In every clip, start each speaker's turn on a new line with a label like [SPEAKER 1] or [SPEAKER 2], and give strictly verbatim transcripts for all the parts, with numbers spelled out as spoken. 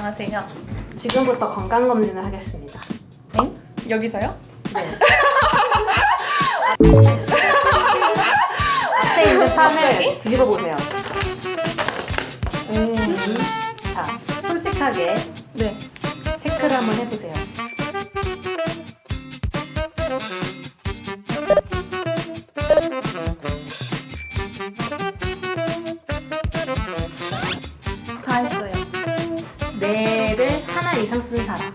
[SPEAKER 1] 안녕하세요.
[SPEAKER 2] 지금부터 건강검진을 하겠습니다.
[SPEAKER 1] 엥? 여기서요?
[SPEAKER 2] 네. 앞에 있는 판을 뒤집어 보세요. 음. 자, 솔직하게
[SPEAKER 1] 네.
[SPEAKER 2] 체크를 한번 해보세요.
[SPEAKER 1] 다 했어요.
[SPEAKER 2] 뇌를 하나 이상 쓴 사람.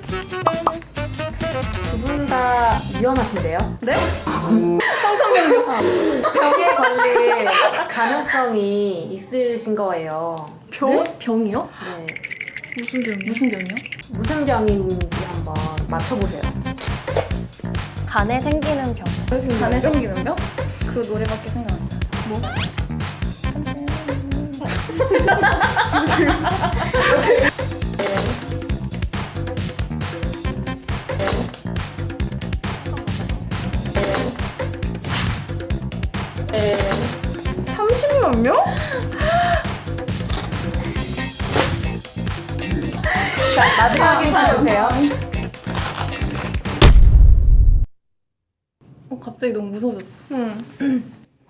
[SPEAKER 2] 두 분 다 위험하신데요?
[SPEAKER 1] 네? 성천병.
[SPEAKER 2] 병에 걸릴 가능성이 있으신 거예요.
[SPEAKER 1] 병? 병이요?
[SPEAKER 2] 네.
[SPEAKER 1] 무슨 병? 무슨 병이요?
[SPEAKER 2] 무슨 병인지 한번 맞춰보세요.
[SPEAKER 3] 간에 생기는 병.
[SPEAKER 1] 간에 생기는 병? 그 노래밖에 생각 안 나요. 뭐? 삼십만 명?
[SPEAKER 2] 자, 마지막 힌트 주세요.
[SPEAKER 1] 어, 갑자기 너무 무서워졌어. 응.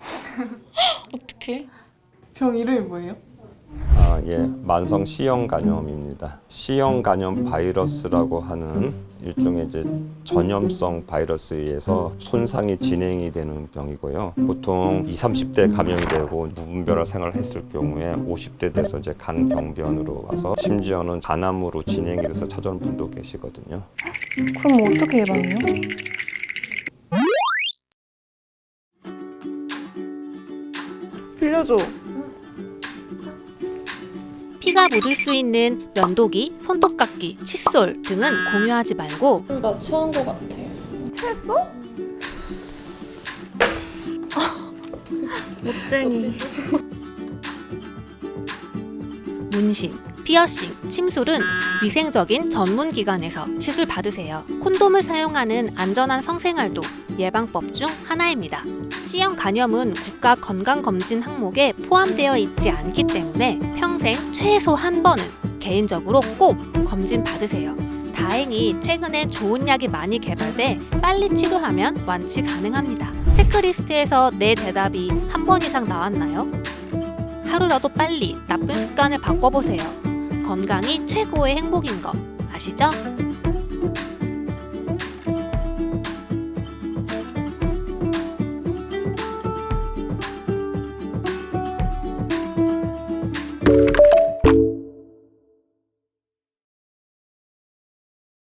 [SPEAKER 3] 어떻게?
[SPEAKER 1] 병 이름이 뭐예요?
[SPEAKER 4] 아, 예, 만성 C형 간염입니다. C형 간염 바이러스라고 하는 일종의 이제 전염성 바이러스에 의해서 손상이 진행이 되는 병이고요. 보통 이십, 삼십 대 감염이 되고 무분별한 생활을 했을 경우에 오십 대 돼서 이제 간병변으로 와서 심지어는 간암으로 진행이 돼서 찾아오는 분도 계시거든요.
[SPEAKER 3] 그럼 어떻게 예방해요?
[SPEAKER 1] 빌려줘.
[SPEAKER 5] 피가 묻을 수 있는 면도기, 손톱깎이, 칫솔 등은 공유하지 말고
[SPEAKER 3] 나 취한 것 같아.
[SPEAKER 1] 체했어?
[SPEAKER 3] 못쟁이.
[SPEAKER 5] 문신, 피어싱, 침술은 위생적인 전문 기관에서 시술 받으세요. 콘돔을 사용하는 안전한 성생활도 예방법 중 하나입니다. C형 간염은 국가 건강검진 항목에 포함되어 있지 않기 때문에 평생 최소 한 번은 개인적으로 꼭 검진 받으세요. 다행히 최근엔 좋은 약이 많이 개발돼 빨리 치료하면 완치 가능합니다. 체크리스트에서 내 대답이 한 번 이상 나왔나요? 하루라도 빨리 나쁜 습관을 바꿔보세요. 건강이 최고의 행복인 거 아시죠?